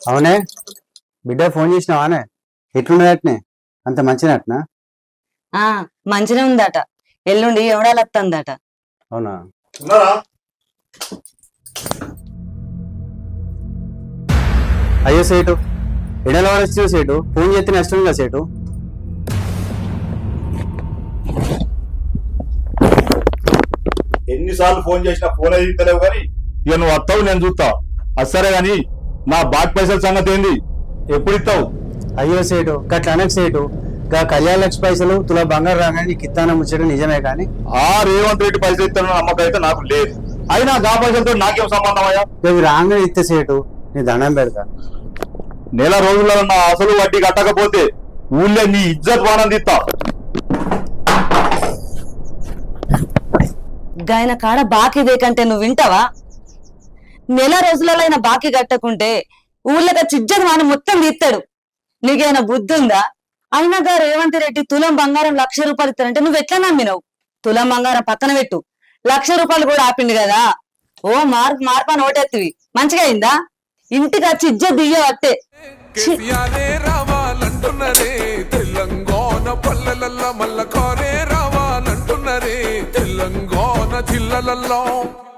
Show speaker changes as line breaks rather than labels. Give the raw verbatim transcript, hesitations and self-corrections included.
అవునే బిడ్డ ఫోన్ చేసినావానే? ఎట్లున్నదట్నే? అంత మంచినట్నా?
ఆ మంచిగా ఉందట. ఎల్లుండి ఎవడాలత్తందట.
అవునా? అయ్యో సేటు, ఎడల వచ్చి సేటు ఫోన్ చేస్తే నష్టం కదా సేటు.
ఎన్నిసార్లు ఫోన్ చేసినా ఫోన్ అయితే తెలియవు కానీ ఇక నువ్వు వస్తావు, నేను చూస్తా. అసరే గాని నా బాట్ పైసల సంగతి ఏంది? ఎప్పుడు ఇస్తావు?
అయ్యో సేటు గట్ల అనకు సేటు. గా కళ్యాణ లక్ష పైసలు తులా బంగారు రాగానే నీకు ఇత్తానం ముచ్చడం నిజమే కానీ
ఆ రేవంత్ రెడ్డి పైసలు ఇస్తాను నమ్మకం అయితే నాకు లేదు. అయినా గా పైసలతో నాకేం సంబంధం అయ్యా?
ఇవి రాగానే ఇస్తే సేటు నీ దండం పెడతా.
నెల రోజులలో నా అసలు వడ్డీ కట్టకపోతే ఊళ్ళో నీ ఇజ్జత్ వానందిస్తా.
గాయన కాడ బాకీ దేకంటే నువ్వు వింటావా? నెల రోజులలో ఆయన బాకీ కట్టకుంటే ఊళ్ళగా చిజ్జను వాని మొత్తం తీస్తాడు. నీకేమైనా బుద్ధి ఉందా? అయినా గా రేవంత్ రెడ్డి తులం బంగారం లక్ష రూపాయలు ఇస్తారంటే నువ్వు ఎట్లా నమ్మినావు? తులం బంగారం పక్కన పెట్టు, లక్ష రూపాయలు కూడా ఆపిండు కదా. ఓ మార్పు మార్పాన్ని ఓటెత్తివి మంచిగా అయిందా? ఇంటికి వచ్చి ఇజ్జత్ దియ్యవట్టే.
రావాలంటున్నరే తెలంగాణ పల్లెలల్ల మల్ల కారే రావాలంటున్నరే తెలంగాణ జిల్లలల్లో